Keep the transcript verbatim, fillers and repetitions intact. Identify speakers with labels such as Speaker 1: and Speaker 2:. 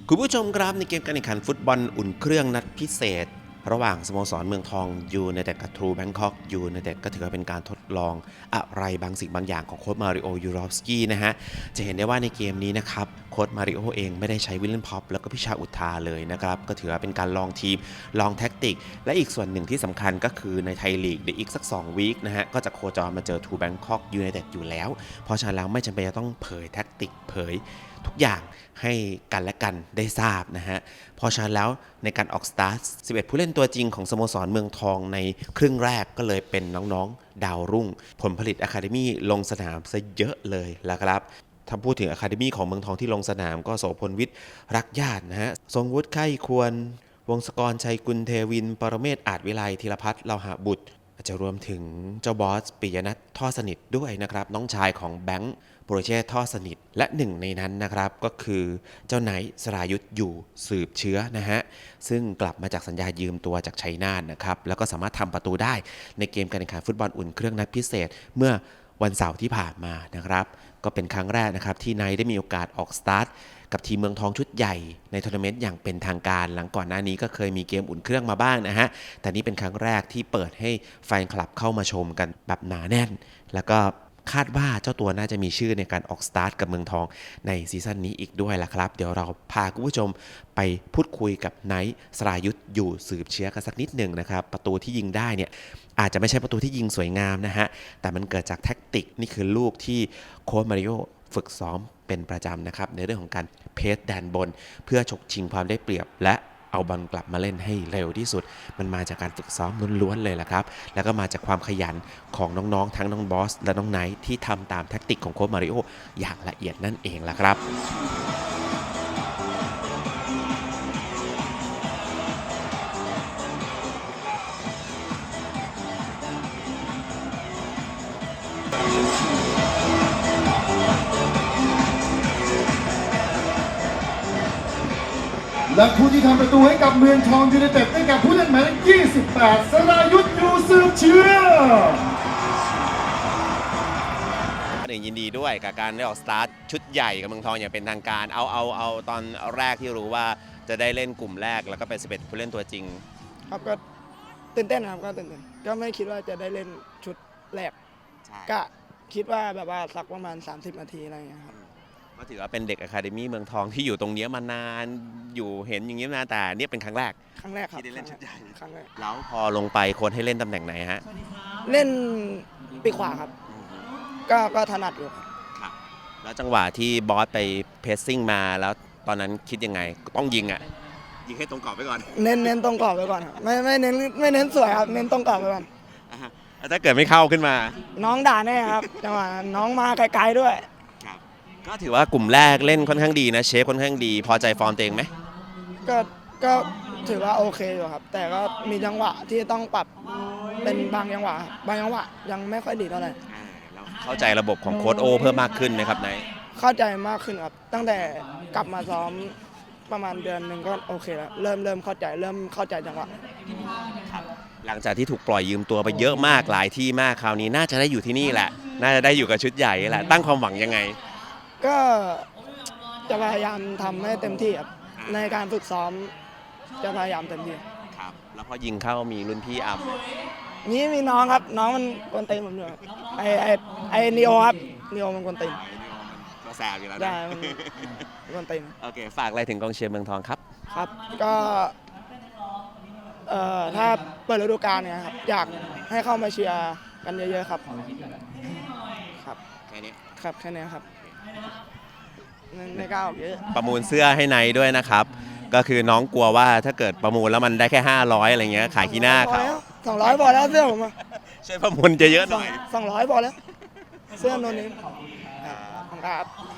Speaker 1: คุณผู้ชมครับในเกมการแข่งขันฟุตบอลอุ่นเครื่องนัดพิเศษระหว่างสโมสรเมืองทองยูไนเต็ดกับทรูแบงคอกยูไนเต็ดก็ถือว่าเป็นการทดลองอะไรบางสิ่งบางอย่างของโค้ชมาริโอยูรอฟสกี้นะฮะจะเห็นได้ว่าในเกมนี้นะครับโค้ชมาริโอเองไม่ได้ใช้วิลเลนพอปแล้วก็พิชาอุทาเลยนะครับก็ถือว่าเป็นการลองทีมลองแท็กติกและอีกส่วนหนึ่งที่สำคัญก็คือในไทยลีกเดี๋ยวอีกสักสองวีคนะฮะก็จะโคจรมาเจอทรูแบงคอกยูไนเต็ดอยู่แล้วเพราะฉะนั้นแล้วไม่จำเป็นจะต้องเผยแท็กติกเผยทุกอย่างให้กันและกันได้ทราบนะฮะเพราะฉะนั้นแล้วในการออกสตาร์ทสิบเอ็ดผู้เล่นตัวจริงของสโมสรเมืองทองในครึ่งแรกก็เลยเป็นน้องๆดาวรุ่งผลผลิตอะคาเดมี่ลงสนามซะเยอะเลยละครับถ้าพูดถึงอะคาเดมี่ของเมืองทองที่ลงสนามก็โสพลวิทย์รักญาตินะฮะทรงวุฒิไข้ควรวงศกรชัยกุลเทวินปรเมศอาจวิไลธีรพัฒน์เลาหะบุตรอาจจะรวมถึงเจ้าบอสปิยนัทท่อสนิทด้วยนะครับน้องชายของแบงค์โปรเจกต์ท่อสนิทและหนึ่งในนั้นนะครับก็คือเจ้าไนท์สรายุทธอยู่สืบเชื้อนะฮะซึ่งกลับมาจากสัญญายืมตัวจากชัยนาทนะครับแล้วก็สามารถทำประตูได้ในเกมการแข่งขันฟุตบอลอุ่นเครื่องนัดพิเศษเมื่อวันเสาร์ที่ผ่านมานะครับก็เป็นครั้งแรกนะครับที่ไนท์ได้มีโอกาสออกสตาร์ทกับทีมเมืองทองชุดใหญ่ในทัวร์นาเมนต์อย่างเป็นทางการหลังก่อนหน้านี้ก็เคยมีเกมอุ่นเครื่องมาบ้างนะฮะแต่นี่เป็นครั้งแรกที่เปิดให้แฟนคลับเข้ามาชมกันแบบหนาแน่นแล้วก็คาดว่าเจ้าตัวน่าจะมีชื่อในการออกสตาร์ทกับเมืองทองในซีซั่นนี้อีกด้วยล่ะครับเดี๋ยวเราพาคุณผู้ชมไปพูดคุยกับไนท์สรายุทธอยู่สืบเชื้อกันสักนิดหนึ่งนะครับประตูที่ยิงได้เนี่ยอาจจะไม่ใช่ประตูที่ยิงสวยงามนะฮะแต่มันเกิดจากแท็กติกนี่คือลูกที่โค้ชมาริโอฝึกซ้อมเป็นประจำนะครับในเรื่องของการเพสแดนบนเพื่อฉกชิงความได้เปรียบและเอาบอลกลับมาเล่นให้เร็วที่สุดมันมาจากการฝึกซ้อมล้วนๆเลยล่ะครับแล้วก็มาจากความขยันของน้องๆทั้งน้องบอสและน้องไนท์ที่ทำตามแท็กติกของโค้ชมาริโออย่างละเอียดนั่นเองล่ะครับ
Speaker 2: และผู้ที่ทำประตูให้กับเมืองทองยูไนเต็ดได้แก่ผู้เล่นหมายเลขยี่สิบแปดสรายุทธอยู่สืบเชื้อ
Speaker 1: ยินดีด้วยกับการได้ออกสตาร์ทชุดใหญ่กับเมืองทองอย่างเป็นทางการเอาเอาเอาตอนแรกที่รู้ว่าจะได้เล่นกลุ่มแรกแล้วก็เป็นสิบเอ็ดผู้เล่นตัวจริง
Speaker 3: ครับก็ตื่นเต้นครับก็ตื่นเต้นก็ไม่คิดว่าจะได้เล่นชุดแรกก็คิดว่าแบบว่าสักประมาณสามสิบนาทีอะไรอย่างเงี้ยครับ
Speaker 1: ก็ถือว่าเป็นเด็กอะคาเดมี่เมืองทองที่อยู่ตรงนี้มานานอยู่เห็นอย่างนี้มานานแต่นี่เป็นครั้งแรก
Speaker 3: ครั้งแรกครับ
Speaker 1: ที่ได้เล่นชุดใหญ่
Speaker 3: ครั้งแรก
Speaker 1: แล้วพอลงไปโค้ชให้เล่นตำแหน่งไหนฮะ
Speaker 3: เล่นปีกขวาครับก็ก็ถนัดอยู่
Speaker 1: ครับแล้วจังหวะที่บอสไปเพสซิ่งมาแล้วตอนนั้นคิดยังไงต้องยิงอ่ะยิงให้ตรงกรอบไปก่อน
Speaker 3: เน้นเน้นตรงกรอบไปก่อนไม่ไม่เน้นไม่เน้นสวยครับเน้นตรงกรอบไปก่อน
Speaker 1: ถ้าเกิดไม่เข้าขึ้นมา
Speaker 3: น้องด่าแน่ครับจังหวะน้องมาไกลๆด้วย
Speaker 1: ก็ถือว่ากลุ่มแรกเล่นค่อนข้างดีนะเชฟค่อนข้างดีพอใจฟอร์มตัวเองไหม
Speaker 3: ก็ก็ถือว่าโอเคอยู่ครับแต่ก็มีจังหวะที่ต้องปรับเป็นบางจังหวะบางจังหวะยังไม่ค่อยดีเท่าไหร่
Speaker 1: เข้าใจระบบของโค้ชโอเพิ่มมากขึ้นไหมครับนาย
Speaker 3: เข้าใจมากขึ้นครับตั้งแต่กลับมาซ้อมประมาณเดือนหนึ่งก็โอเคแล้วเริ่มเริ่มเข้าใจเริ่มเข้าใจจังหวะ
Speaker 1: หลังจากที่ถูกปล่อยยืมตัวไปเยอะมากหลายที่มากคราวนี้น่าจะได้อยู่ที่นี่แหละน่าจะได้อยู่กับชุดใหญ่แหละตั้งความหวังยังไง
Speaker 3: ก็จะพยายามทำให้เต็มที่ครับในการฝึกซ้อมจะพยายามเต็มที่
Speaker 1: ครับแล้วพอยิงเข้ามีรุ่นพี่อัพ
Speaker 3: นี่มีน้องครับน้องมันกวนตีนผมอยู่ครับไอไอไอนิโอครับนิโอมันกวนตีน
Speaker 1: ก็แสบอยู่แล้ว
Speaker 3: ได้มันกวนตีน
Speaker 1: โอเคฝากอะไรถึงกองเชียร์เมืองทองครับ
Speaker 3: ครับก็เอ่อถ้าเปิดฤดูกาลเนี่ยครับอยากให้เข้ามาเชียร์กันเยอะๆครับครับ
Speaker 1: แค่นี้
Speaker 3: ครับแค่นี้ครับในก้าวเยอะ
Speaker 1: ประมูลเสื้อให้ไนท์ด้วยนะครับก็คือน้องกลัวว่าถ้าเกิดประมูลแล้วมันได้แค่ห้าร้อยอะไรเงี้ยขายขี้หน้าเขา
Speaker 3: สองร้อยพอแล้วเสื้อผม
Speaker 1: ช่วยประมูลเยอะๆหน่อย
Speaker 3: สองร้อยพอแล้วเสื้อโนนี้ครับ